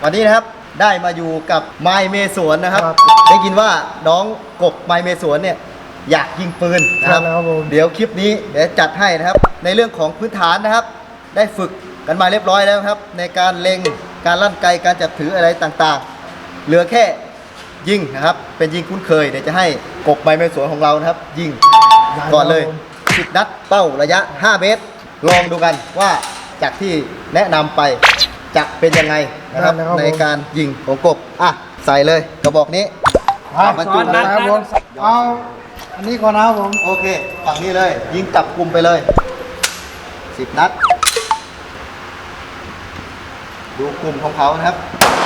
วันนี้นะครับได้มาอยู่กับไมล์เมสวนนะครับได้ยินว่าน้องกบไมล์เมสวนเนี่ยอยากยิงปืนนะครับเดี๋ยวคลิปนี้เดี๋ยวจัดให้นะครับในเรื่องของพื้นฐานนะครับได้ฝึกกันมาเรียบร้อยแล้วครับในการเล็งการลั่นไกการจับถืออะไรต่างๆเหลือแค่ยิงนะครับเป็นยิงคุ้นเคยเดี๋ยวจะให้กบไมล์เมสวนของเรานะครับยิงก่อนเลย10 นัดเป้าระยะ5 เมตรลองดูกันว่าจากที่แนะนำไปจะเป็นยังไงนะครับในการยิงของกบใส่เลยกระบอกนี้บรรจุนะครับผมเอาอันนี้ก่อนนะครับผมโอเคฝั่งนี้เลยยิงจับกลุ่มไปเลย10 นัดดูกลุ่มของเขานะครับ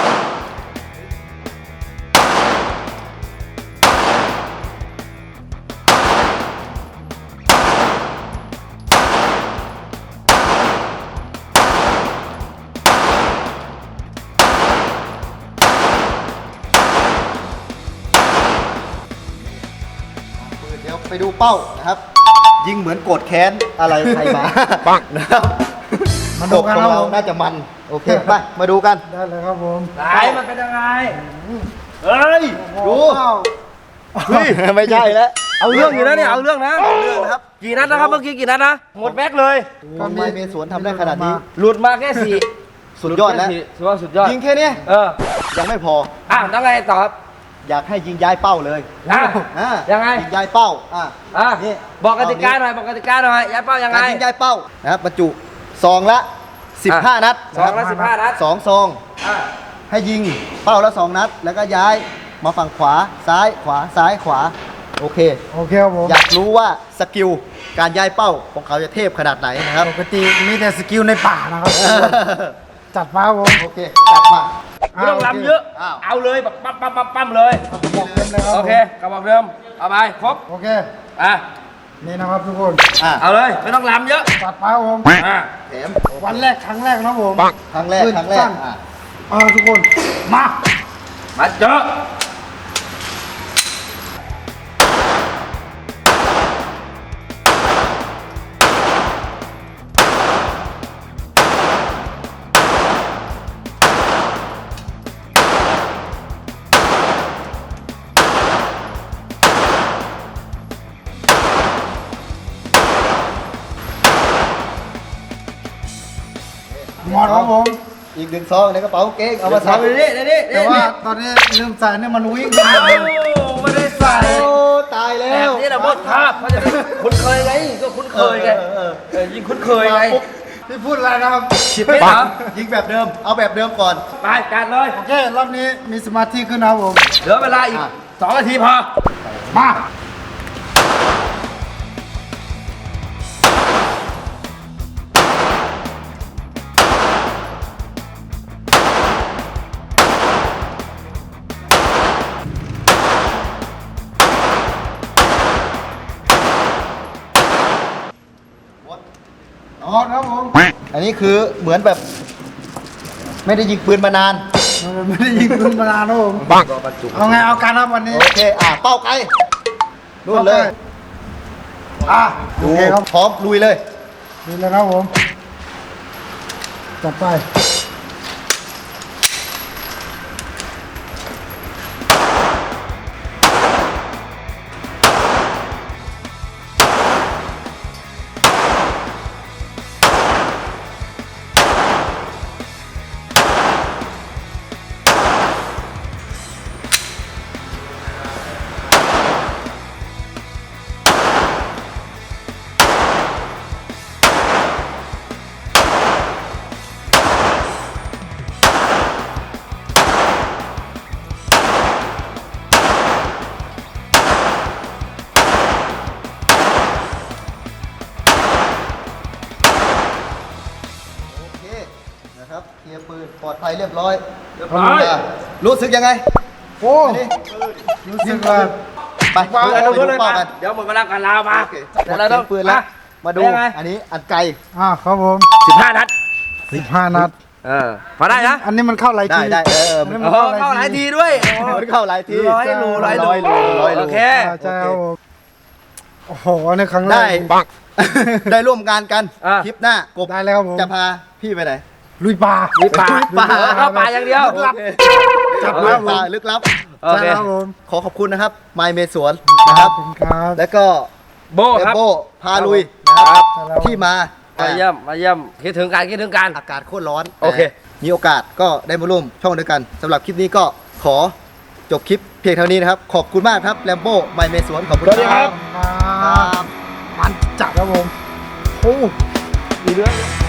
เดี๋ยวไปดูเป้านะครับยิงเหมือนโกรธแค้นอะไรใครมาปังนะครับมาดูกันของเราน่าจะมันโอเคไปมาดูกันได้เลยครับผมไหนมันเป็นยังไงเฮ้ยดูไม่ใช่แล้วเอาเรื่องอยู่นะเนี่ยเอาเรื่องนะนะครับกี่นัดนะครับเมื่อกี้กี่นัดนะหมดแม็กเลยทำไมเมสวนทำได้ขนาดนี้หลุดมาแค่4 สุดยอดแล้วสุดยอดยิงแค่นี้ยังไม่พอแล้วไงต่อครับอยากให้ยิงย้ายเป้าเลยยังไงยิงย้ายเป้านี่บอกกติกาหน่อยบอกกติกาหน่อยย้ายเป้ายังไงยิงย้ายเป้านะครับบรรจุซองละ15 นัด 2 ละ 15 นัด 2 ซองให้ยิงเป้าละ2 นัดแล้วก็ย้ายมาฝั่งขวาซ้ายขวาซ้ายขวาโอเคครับผมอยากรู้ว่าสกิลการย้ายเป้าของเขาจะเทพขนาดไหนนะครับปกติมีแต่สกิลในป่านะครับจัดมาครับผมโอเคจัดมาไม่ต้องลำเยอะเอาเลยแบบปั๊มเลยบอกเดิมเลยครับโอเคกระบอกเดิมเอาไปครบโอเคนี่นะครับทุกคนเอาเลยไม่ต้องลำเยอะจัดมาครับผมแถมวันแรกครั้งแรกนะผมครั้งแรกทุกคนมาเจอหมดครับผมอีก1 ซองในกระเป๋าเก๊กเอามาใส่แต่ว่าตอนนี้ลืมใส่เนี่ยมันวิ่งไม่ได้ใส่ตายแล้วแบบนี้แหละหมดภาพเขาจะคุ้นเคยไงก็คุ้นเคยไงยิงคุ้นเคยไงพี่พูดอะไรนะครับ 10 เมตรยิงแบบเดิมเอาแบบเดิมก่อนไปจัดเลยโอเครอบนี้มีสมาธิขึ้นนะครับผมเหลือเวลาอีก2 นาทีพอมาครับผมอันนี้คือเหมือนแบบไม่ได้ยิงปืนมานานไม่ได้ยิงปืนมานานนะผมเอาไงเอาการครับวันนี้โอเคเป้าไกลนู่นเลยดูครับพร้อมลุยเลยครับผมจัดไปนะครับเคลียร์ปืนปลอดภัยเรียบร้อยรู้สึกยังไงโอ้รู้สึกว่าไปดูเป้ากันเดี๋ยวหมดเวลาการลาวมาเดี๋ยวเราต้องปืนแล้วมาดูอันนี้อันไกลครับผม 15 นัด 15 นัดพอได้นะอันนี้มันเข้าหลายทีได้เข้าหลายทีด้วยเข้าหลายที 100 โอเคใช่ครับโอ้โหในครั้งแรกได้ร่วมงานกันคลิปหน้ากบได้แล้วครับผมจะพาพี่ไปไหนลุยป่ามีป่าป่าเข้าป่าอย่างเดียวจับโอเคป่าลึกลับโอเคใช่ครับผมขอขอบคุณนะครับไมเมสวนนะครับขอบคุณครับแล้วก็โบครับโบพาลุยนะครับครับที่มามาเยี่ยมมาเยี่ยมคิดถึงกันคิดถึงกันอากาศโคตรร้อนโอเคแต่มีโอกาสก็ได้มาร่วมช่องด้วยกันสำหรับคลิปนี้ก็ขอจบคลิปเพียงเท่านี้นะครับ ขอบคุณมากครับแลมโบ้ไมเมสวนขอบคุณสวัสดีครับครับมันจัดครับผมโอ้มีเรื่อง